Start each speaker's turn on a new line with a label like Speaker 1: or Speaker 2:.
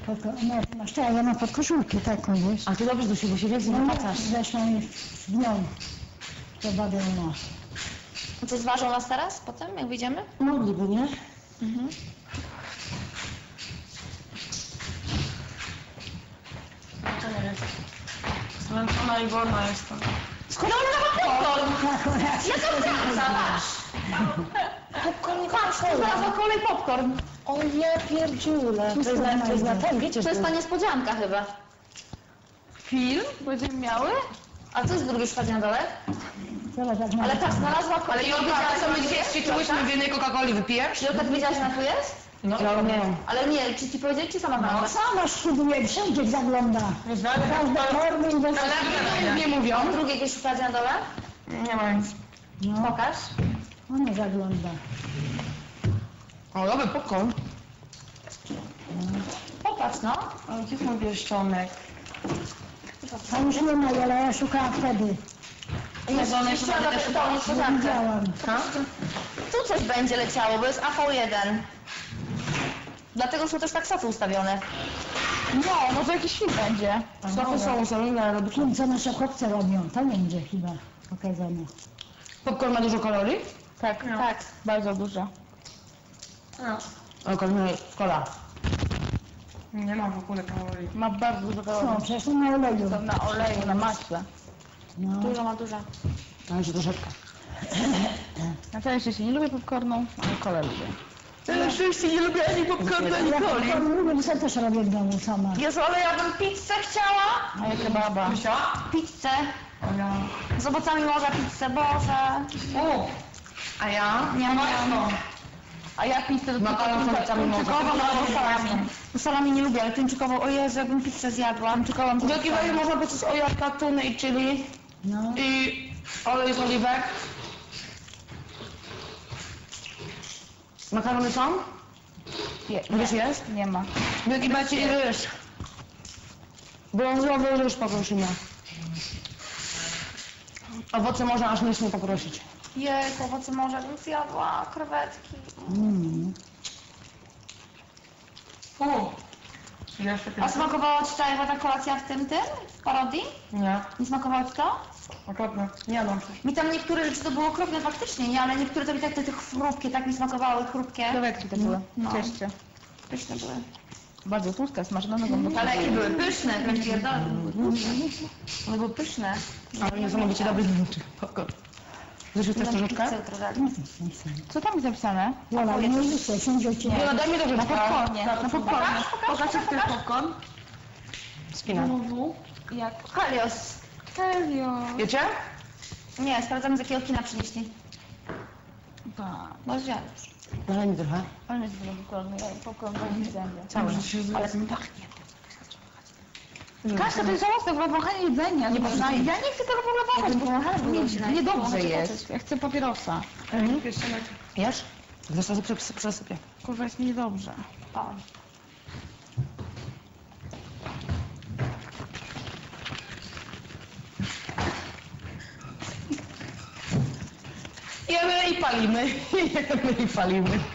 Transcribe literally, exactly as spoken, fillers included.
Speaker 1: No, masz to, ja mam pod koszulkę taką, wiesz.
Speaker 2: A ty dobrze do siebie, bo się więcej
Speaker 1: No,
Speaker 2: napacasz.
Speaker 1: zresztą z nią to badę ma.
Speaker 3: No to zważą nas teraz, potem, jak wyjdziemy?
Speaker 2: Mogliby, nie?
Speaker 3: Mhm.
Speaker 2: To nie jest. Zmęczona i wolna jestem.
Speaker 3: Skąd ona ma popcorn?
Speaker 1: Akurat.
Speaker 3: Ja to wraca, masz! Popcorn, patrz, tu znalazła kolej popcorn.
Speaker 2: O nie, pierdziule. To jest na, to jest na ten, wiecie,
Speaker 3: To jest
Speaker 2: że...
Speaker 3: ta niespodzianka chyba.
Speaker 2: Film będziemy miały?
Speaker 3: A co jest drugi szpadź na dole?
Speaker 1: Zobacz, jak
Speaker 3: Ale
Speaker 1: ma-
Speaker 3: tak, znalazła kolej.
Speaker 2: Ale Jolka, a co my dzisiaj ćwiczyłyśmy w jednej Coca-Coli, wypijesz?
Speaker 3: Jolka, ty wiedziałaś, na tu jest?
Speaker 2: No, ja nie.
Speaker 3: Ale nie, czy ci powiedzieli, czy sama znalazła?
Speaker 1: Sama szkuduje, wszędzie zagląda.
Speaker 2: Nie znamy,
Speaker 1: Każde formy i bez...
Speaker 2: ale nie mówią.
Speaker 3: Drugie jakieś szpadź na dole?
Speaker 2: Nie ma nic.
Speaker 1: No,
Speaker 3: Pokaż.
Speaker 1: ona zagląda.
Speaker 2: O, dobry popcorn.
Speaker 3: Popatrz, no.
Speaker 2: Ale gdzie jest mój pierścionek?
Speaker 1: A już nie ma, ale ja szukałam wtedy.
Speaker 3: Jest
Speaker 2: one
Speaker 3: jeszcze
Speaker 2: chyba
Speaker 3: na
Speaker 2: też
Speaker 3: tą
Speaker 1: Nie
Speaker 3: niespodziankę.
Speaker 1: widziałam.
Speaker 2: Ha?
Speaker 3: Tu coś będzie leciało, bo jest A V jeden. Dlatego są też tak sofy ustawione.
Speaker 2: No, może jakiś film będzie. Sofy są ustawione, ale robisz...
Speaker 1: Film, co nasze chłopcy robią, to będzie chyba pokazane.
Speaker 2: Popcorn ma dużo kalorii?
Speaker 3: Tak, tak.
Speaker 2: Bardzo dużo.
Speaker 3: No.
Speaker 2: Ale kalorii kola. Nie ma w ogóle kalorii.
Speaker 4: Ma bardzo dużo kalorii.
Speaker 1: No, przecież to na oleju.
Speaker 4: To na oleju, na maśle.
Speaker 1: No.
Speaker 3: Dużo ma dużo.
Speaker 2: Ale się troszeczkę.
Speaker 4: Na całe szczęście nie lubię popcornu, ale kolę lubię.
Speaker 2: Tyle szczęście nie lubię ani popcornu, ani
Speaker 1: Ja
Speaker 2: coli.
Speaker 1: to lubię, bo sobie też robię w domu sama.
Speaker 3: Jezu, ale ja bym pizzę chciała.
Speaker 4: A ja kebaba.
Speaker 2: Krysia?
Speaker 3: Pizzę.
Speaker 2: A ja...
Speaker 3: Z owocami morza pizzę, Boże.
Speaker 2: O! A ja?
Speaker 3: Nie, nie.
Speaker 4: A ja pizzę do
Speaker 2: Makaron z owocami morza.
Speaker 3: Tuńczykową albo salami. No salami nie lubię, ale tuńczykową, o Jezu, jakbym pizzę zjadła. Tuńczykową
Speaker 2: W jakiej razie można być z ojaka, tuny i chili
Speaker 1: No.
Speaker 2: i olej z oliwek. Makarony są?
Speaker 4: Je,
Speaker 2: Ryż jest?
Speaker 4: nie ma.
Speaker 2: W jakiej macie i ryż? Brązowy ryż poprosimy. Owoce można aż myślnie poprosić.
Speaker 3: Jej, owoce morza bym zjadła, krewetki.
Speaker 1: Mm.
Speaker 2: U. Jeszcze
Speaker 3: A smakowała ci ta Ewa ta kolacja w tym, tym? W parodii?
Speaker 2: Nie,
Speaker 3: Nie smakowało ci to?
Speaker 2: okropnie. Nie mam.
Speaker 3: Mi tam niektóre rzeczy to było okropne faktycznie, nie? Ale niektóre to mi tak te, te chrupkie, tak mi smakowały, chrupkie.
Speaker 4: Krewetki to były.
Speaker 3: No.
Speaker 4: W cieście.
Speaker 3: Pyszne były.
Speaker 4: Bardzo tłuste, smażone nogą.
Speaker 3: Ale jakie były pyszne, ten pierdolę. One były pyszne.
Speaker 2: Ale nie są być dobry popcorn. Zresztą chcesz troszeczkę?
Speaker 3: Pizzę jutro dali.
Speaker 4: Co tam jest napisane?
Speaker 1: Jola, nie myślę, sędzio cię.
Speaker 2: No daj mi
Speaker 4: Na
Speaker 2: troszeczkę.
Speaker 4: popcornie. Na popcornie. Pokaż jak to jest popcorn.
Speaker 2: Spina.
Speaker 4: Jak?
Speaker 3: Helios.
Speaker 4: Serio?
Speaker 2: Wiecie?
Speaker 3: Nie, sprawdzamy z jakiego kina przynieśli.
Speaker 4: Tak.
Speaker 3: Bo zjadł.
Speaker 2: Daj mi trochę.
Speaker 4: Ale jest dużo popcornu. Ja popcorn do nie zębie.
Speaker 2: Cały.
Speaker 3: Ale to mi pachnie.
Speaker 4: Kaśka, to jest żałosne, w ogóle wąchanie jedzenia. Nie można. Ja nie chcę tego w ogóle wąchać, bo nie, niedobrze jest. Ja chcę papierosa.
Speaker 2: Jesz? Zresztą sobie przes- przesypię.
Speaker 4: Kurwa, jest mi niedobrze.
Speaker 3: O.
Speaker 2: Jemy i palimy. Jemy i palimy.